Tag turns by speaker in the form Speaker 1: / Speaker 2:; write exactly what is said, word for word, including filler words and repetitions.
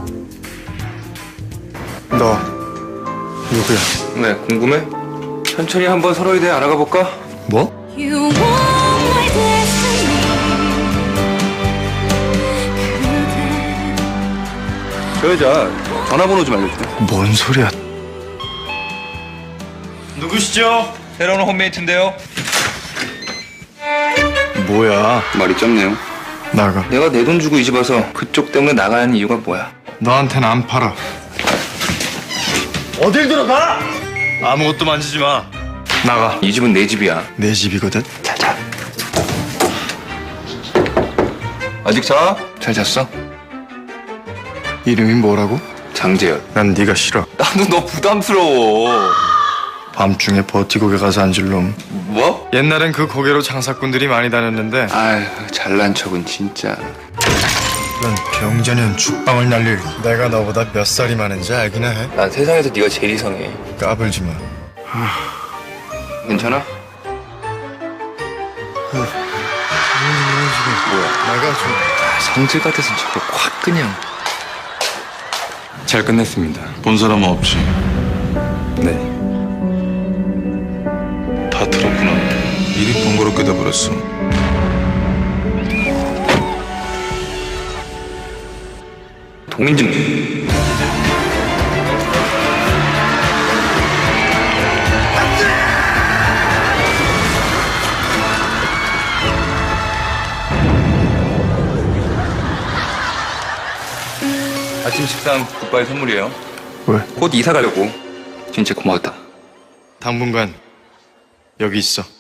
Speaker 1: 너 누구야?
Speaker 2: 왜 궁금해? 천천히 한번 서로에 대해 알아가 볼까?
Speaker 1: 뭐?
Speaker 3: You want my destiny.
Speaker 2: 저 여자 전화번호 좀 알려줄래?
Speaker 1: 뭔 소리야?
Speaker 2: 누구시죠? 새로운 홈메이트인데요.
Speaker 1: 뭐야?
Speaker 2: 말이 짧네요.
Speaker 1: 나가.
Speaker 2: 내가 내 돈 주고 이 집 와서 그쪽 때문에 나가는 이유가 뭐야?
Speaker 1: 너한테는 안 팔아. 어딜 들어가? 아무것도 만지지 마. 나가.
Speaker 2: 이 집은 내 집이야.
Speaker 1: 내 집이거든.
Speaker 2: 잘 자. 아직 자? 잘 잤어?
Speaker 1: 이름이 뭐라고?
Speaker 2: 장재현.
Speaker 1: 난 네가 싫어.
Speaker 2: 나도 너 부담스러워.
Speaker 1: 밤중에 버티고개 가서 앉을 놈.
Speaker 2: 뭐?
Speaker 1: 옛날엔 그 고개로 장사꾼들이 많이 다녔는데
Speaker 2: 아휴 잘난 척은 진짜.
Speaker 1: 넌 병자년 죽방을 날릴. 내가 너보다 몇 살이 많은지 알긴 해.
Speaker 2: 난 세상에서 네가 제일 이상해.
Speaker 1: 까불지 마.
Speaker 2: 괜찮아? 뭐야?
Speaker 1: 나가 좀.
Speaker 2: 아, 성질 같아서 저거 확 그냥.
Speaker 4: 잘 끝냈습니다. 본 사람은 없지.
Speaker 2: 네.
Speaker 4: 다 들었구나. 일이 번거롭게 돼버렸어.
Speaker 2: 동인증. 아침 식당 굿바이 선물이에요.
Speaker 1: 왜?
Speaker 2: 곧 이사 가려고. 진짜 고마웠다.
Speaker 1: 당분간 여기 있어.